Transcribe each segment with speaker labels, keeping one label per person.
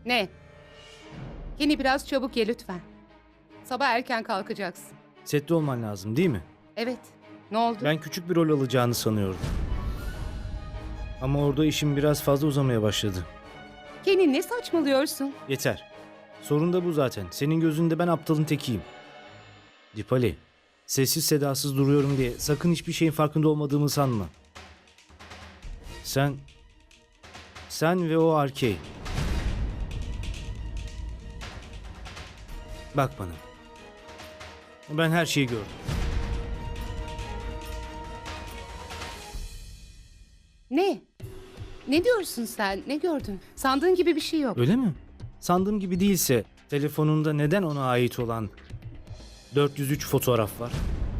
Speaker 1: Ne? Kenny biraz çabuk ye lütfen. Sabah erken kalkacaksın.
Speaker 2: Sette olman lazım değil mi?
Speaker 1: Evet. Ne oldu?
Speaker 2: Ben küçük bir rol alacağını sanıyordum. Ama orada işim biraz fazla uzamaya başladı.
Speaker 1: Kenny ne saçmalıyorsun?
Speaker 2: Yeter. Sorun da bu zaten. Senin gözünde ben aptalın tekiyim. Dipali, sessiz sedasız duruyorum diye sakın hiçbir şeyin farkında olmadığımı sanma. Sen ve o Arkey. Bak bana. Ben her şeyi gördüm.
Speaker 1: Ne? Ne diyorsun sen? Ne gördün? Sandığın gibi bir şey yok.
Speaker 2: Öyle mi? Sandığım gibi değilse telefonunda neden ona ait olan 403 fotoğraf var?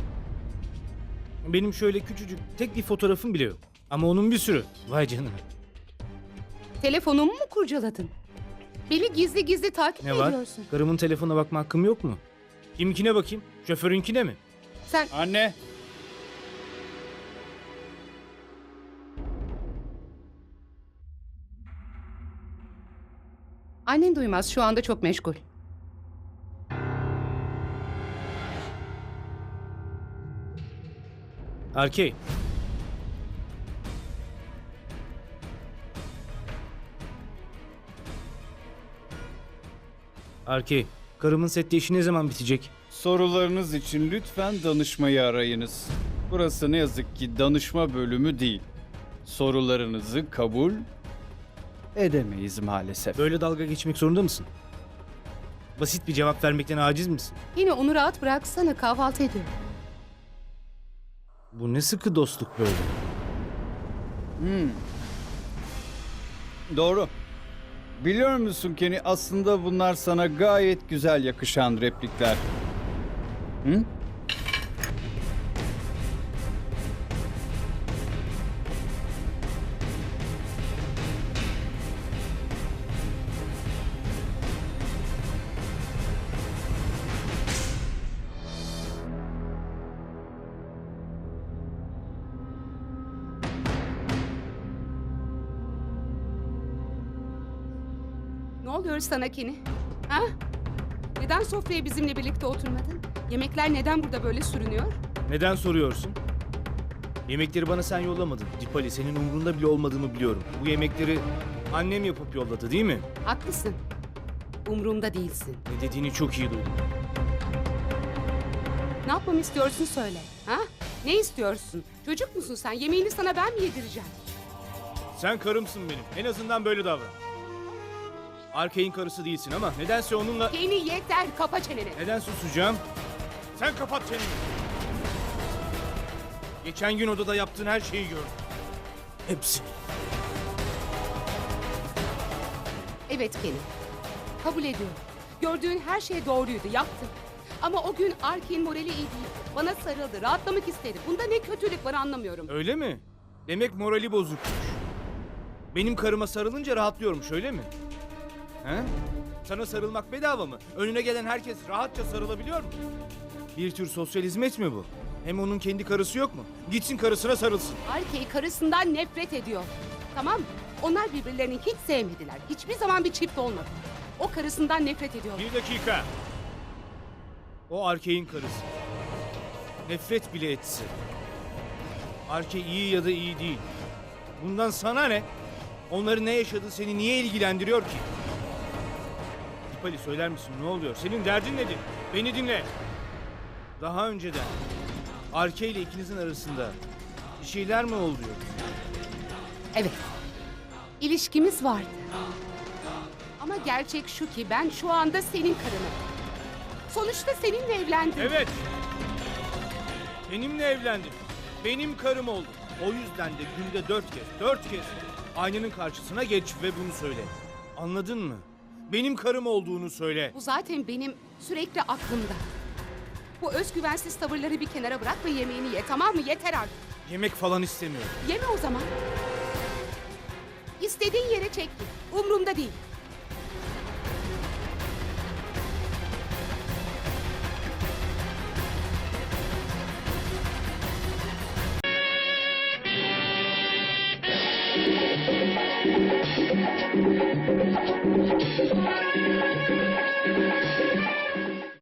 Speaker 2: Benim şöyle küçücük tek bir fotoğrafım bile yok. Ama onun bir sürü. Vay canına.
Speaker 1: Telefonumu mu kurcaladın? Beni gizli gizli takip
Speaker 2: Ne var?
Speaker 1: ediyorsun.
Speaker 2: Karımın telefonuna bakma hakkım yok mu? Kimkine bakayım? Şoförünkine mi?
Speaker 1: Sen
Speaker 3: Anne.
Speaker 1: annen duymaz, şu anda çok meşgul.
Speaker 2: Arkey. Arkey. Karımın sette işi ne zaman bitecek?
Speaker 3: Sorularınız için lütfen danışmayı arayınız. Burası ne yazık ki danışma bölümü değil. Sorularınızı kabul edemeyiz maalesef.
Speaker 2: Böyle dalga geçmek zorunda mısın? Basit bir cevap vermekten aciz misin?
Speaker 1: Yine onu rahat bıraksana, kahvaltı ediyor.
Speaker 2: Bu ne sıkı dostluk böyle?
Speaker 3: Doğru. Biliyor musun Kenny, aslında bunlar sana gayet güzel yakışan replikler. Hı?
Speaker 1: Ne oluyor sana Kenny? Ha? Neden sofraya bizimle birlikte oturmadın? Yemekler neden burada böyle sürünüyor?
Speaker 2: Neden soruyorsun? Yemekleri bana sen yollamadın. Dipali, senin umurunda bile olmadığımı biliyorum. Bu yemekleri annem yapıp yolladı değil mi?
Speaker 1: Haklısın. Umrumda değilsin.
Speaker 2: Ne dediğini çok iyi duydum.
Speaker 1: Ne yapmamı istiyorsun söyle. Ha? Ne istiyorsun? Çocuk musun sen? Yemeğini sana ben mi yedireceğim?
Speaker 2: Sen karımsın benim. En azından böyle davran. Arkey'in karısı değilsin ama nedense onunla...
Speaker 1: Kenny yeter, kapa çeneni.
Speaker 2: Neden susacağım? Sen kapat çeneni. Geçen gün odada yaptığın her şeyi gördüm. Hepsi.
Speaker 1: Evet Kenny. Kabul ediyorum. Gördüğün her şey doğruydu, yaptım. Ama o gün Arkey'in morali iyi değil. Bana sarıldı, rahatlamak istedi. Bunda ne kötülük var anlamıyorum.
Speaker 2: Öyle mi? Demek morali bozukmuş. Benim karıma sarılınca rahatlıyormuş öyle mi? He? Sana sarılmak bedava mı? Önüne gelen herkes rahatça sarılabiliyor mu? Bir tür sosyal hizmet mi bu? Hem onun kendi karısı yok mu? Gitsin karısına sarılsın.
Speaker 1: Arkey karısından nefret ediyor. Tamam mı? Onlar birbirlerini hiç sevmediler. Hiçbir zaman bir çift olmadı. O karısından nefret ediyor.
Speaker 2: Bir dakika. O Arkey'in karısı. Nefret bile etse. Arkey iyi ya da iyi değil. Bundan sana ne? Onların ne yaşadığı seni niye ilgilendiriyor ki? Dipali, söyler misin ne oluyor? Senin derdin nedir? Beni dinle. Daha önceden Arkey ile ikinizin arasında bir şeyler mi oldu yoksa?
Speaker 1: Evet. İlişkimiz vardı. Ama gerçek şu ki ben şu anda senin karınım. Sonuçta seninle evlendim.
Speaker 2: Evet. Benimle evlendin. Benim karım oldun. O yüzden de günde 4 kez aynanın karşısına geç ve bunu söyle. Anladın mı? Benim karım olduğunu söyle.
Speaker 1: Bu zaten benim sürekli aklımda. Bu özgüvensiz tavırları bir kenara bırak ve yemeğini ye, tamam mı? Yeter artık.
Speaker 2: Yemek falan istemiyorum.
Speaker 1: Yeme o zaman. İstediğin yere çek git. Umrumda değil.